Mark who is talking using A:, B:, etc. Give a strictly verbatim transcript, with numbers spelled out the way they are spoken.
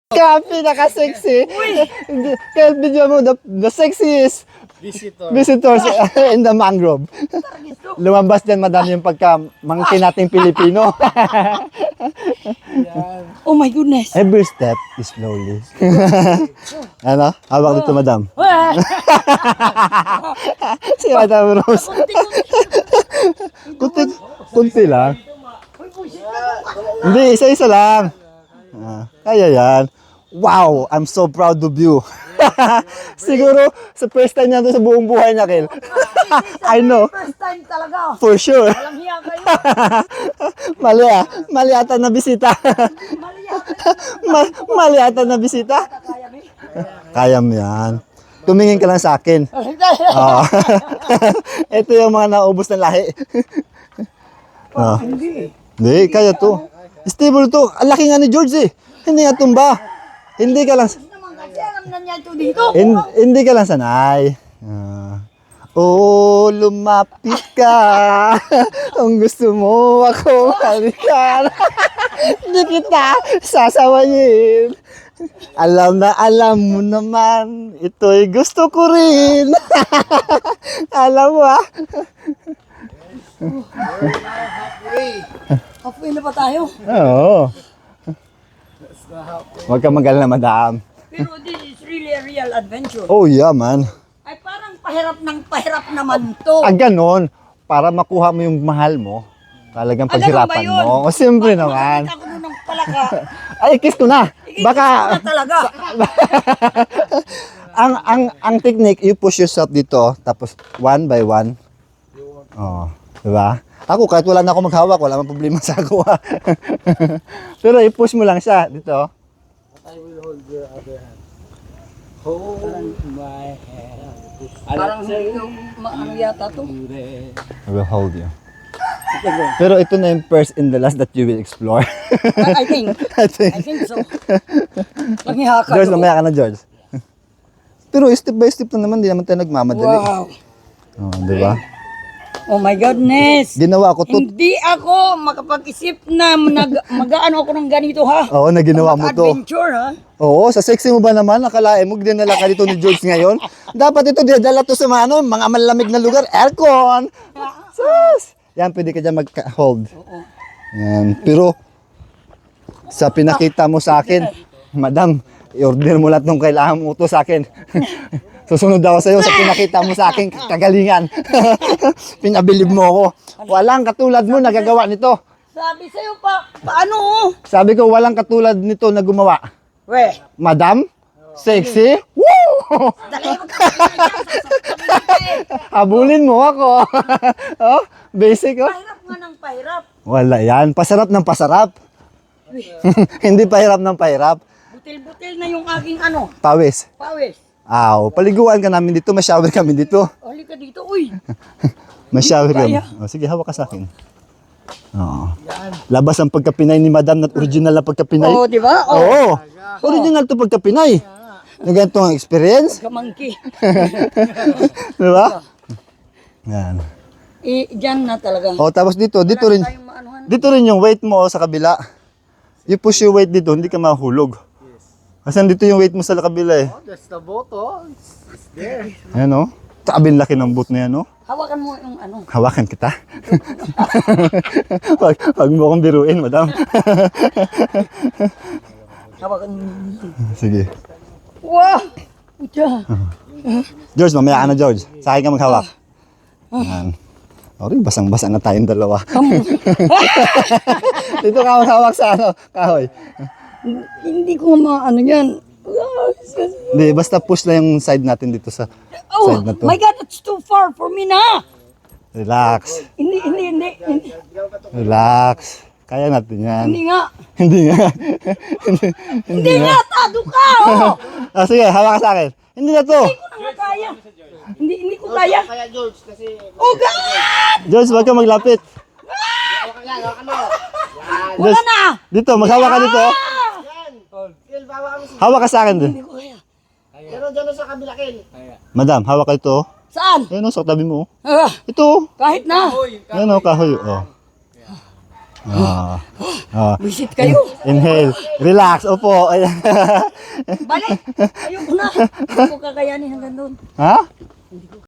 A: Copy, naka-sexy. Kaya video mo, the, the sexiest
B: Visitor.
A: visitors in the mangrove. Lumabas dyan, madam, yung pagka-mangkin nating Pilipino.
C: Oh my goodness.
A: Every step is slowly. Ano? Hawak dito, madam. Si Madam Rose. Kunti, kunti lang. Hindi, isa-isa lang. Ah, kaya yan. Wow, I'm so proud of you. Siguro, sa first time niya to sa buong buhay niya, Kel. I know.
C: First time talaga.
A: For sure.
C: Walang hiya kayo.
A: Mali ah. Mali ata na bisita.
C: Mali yata.
A: Ma- mali ata na bisita.
C: Kaya mo.
A: Kaya mo yan. Tumingin ka lang sa akin. Ah. Ito yung mga naubos ng lahi. Ah.
C: Hindi.
A: Hindi, kaya to. Stable to. Ang laki nga ni George eh. Hindi nga tumba. Hindi ka lang...
C: Naman kasi alam na niya ito dito.
A: Hin- hindi ka lang sanay. Ah. Oh, lumapit ka. Kung gusto mo ako halikan. Hindi kita sasawayin. Alam na alam mo naman, ito'y gusto ko rin. Alam mo ah.
C: Halfway na pa tayo.
A: Oo. Huwag ka mag-alala, madam.
C: Pero this is really a real adventure.
A: Oh yeah, man.
C: Ay parang pahirap ng pahirap naman to.
A: Ah, ganon. Para makuha mo yung mahal mo. Talagang
C: Ah, ganun ba
A: paghirapan
C: yun?
A: mo. O, siyempre naman.
C: Makakita ko nun ng palaka.
A: Ay, kiss ko na. Baka,
C: Ikikita ko na talaga.
A: ang, ang, ang technique, you push yourself dito, tapos one by one. Oh, diba? Ako, kahit wala na ako maghawak, wala mang problema sa ako. ah. Pero i-push mo lang siya dito.
B: I will hold your other hand. Hold my hand.
C: Parang yung ano yata to.
A: I will hold you. Pero ito na yung first and the last that you will explore.
C: I I think.
A: I think.
C: I think so. Nanghiha ka.
A: George,
C: no?
A: mamaya ka na, George. Pero step by step na naman, di naman tayo nagmamadali.
C: Wow.
A: Oh, di ba?
C: Oh my goodness.
A: Ginawa ko to.
C: Hindi ako makapag-isip na nag, mag-ano ako ng ganito ha.
A: Oo, na ginawa mo to.
C: Adventure ha.
A: Oo, sa sexy mo ba naman? Nakalain mo, dinala ka dito ni George ngayon. Dapat ito, dinala to sa mga, ano, mga malamig na lugar. Aircon! Sus! Yan, pwede ka dyan mag-hold. Yan. Pero, sa pinakita mo sa akin, madam, i-order mo lahat ng kailangan mo to sa akin. Susunod ako sa'yo sa pinakita mo sa akin, kagalingan. Pinabilib mo ako. Walang katulad mo nagagawa nito.
C: Sabi sa'yo pa, paano?
A: Sabi ko, walang katulad nito na gumawa.
C: We,
A: Madam, sexy, woo!
C: dali mo
A: Habulin mo ako. Oh, basic oh.
C: Pahirap nga ng pahirap.
A: Wala yan, pasarap ng pasarap. Hindi pahirap ng pahirap.
C: Butil-butil na yung aking ano,
A: Pawis.
C: pawis.
A: Aw, paliguan ka namin dito, may shower kami dito.
C: Hali ka dito, uy.
A: May shower kami.
C: Kaya.
A: Oh, sige, hawak ka sa akin. Oo. Labas ang pagkapinay ni Madam na original na pagkapinay.
C: Oo, di ba? Oo.
A: Oo. Original to pagkapinay. Na ganito ang experience.
C: Kamangki.
A: Di ba? Yan.
C: Eh, dyan na talaga.
A: Oh, tapos dito, dito rin.
C: Tayong maanuhan.
A: Dito rin yung weight mo oh, sa kabila. You push your weight dito, hindi ka mahulog. Kasi dito yung weight mo sa kabila eh.
B: Oh, that's the boat, oh. It's there.
A: Ayan oh. Sabi laki ng boot na yan oh.
C: Hawakan mo yung ano.
A: Hawakan kita. wag, wag mo akong biruin, madam.
C: Hawakan mo.
A: Sige.
C: Wow! Pucha.
A: George, mamaya ka na George. Sa akin ka maghawak. Ayan. Okay, basang-basa na tayong dalawa. Dito ka maghawak sa ano, kahoy.
C: Hindi ko maano yan.
A: Hindi, basta push lang yung side natin dito sa
C: Oh,
A: side na to.
C: my God, it's too far for me na.
A: Relax.
C: Hindi, hindi, hindi. Hindi,
A: Relax. Kaya natin yan.
C: hindi nga.
A: Hindi nga.
C: Hindi nga, tado ka, oh.
A: Ah, sige, hawak ka sa akin. Hindi na to.
C: Hindi ko na nga kaya. Hindi, hindi ko kaya.
B: Kaya George, kasi...
C: Oh, God!
A: George, wag ka maglapit.
B: Hawakan yan, hawakan mo.
C: Wala
A: George,
C: na.
A: dito, maghawak ka dito.
C: Ah!
B: Yan. Kel, bawa kami sa...
A: Hawak ka sa akin din.
C: Hindi ko kaya.
B: Pero dyan sa kabila, Kel.
A: Madam, hawak ka ito.
C: Saan?
A: Ayun o, sa tabi mo.
C: Ah,
A: Ito.
C: kahit na.
A: Ayun o, kahoy. Oh. Ah. Ah.
C: Visit kayo.
A: Inhale. Relax. Opo. Ayan.
C: Balik. Ayoko na. Hindi ko kakayanin hanggang doon.
A: Ha?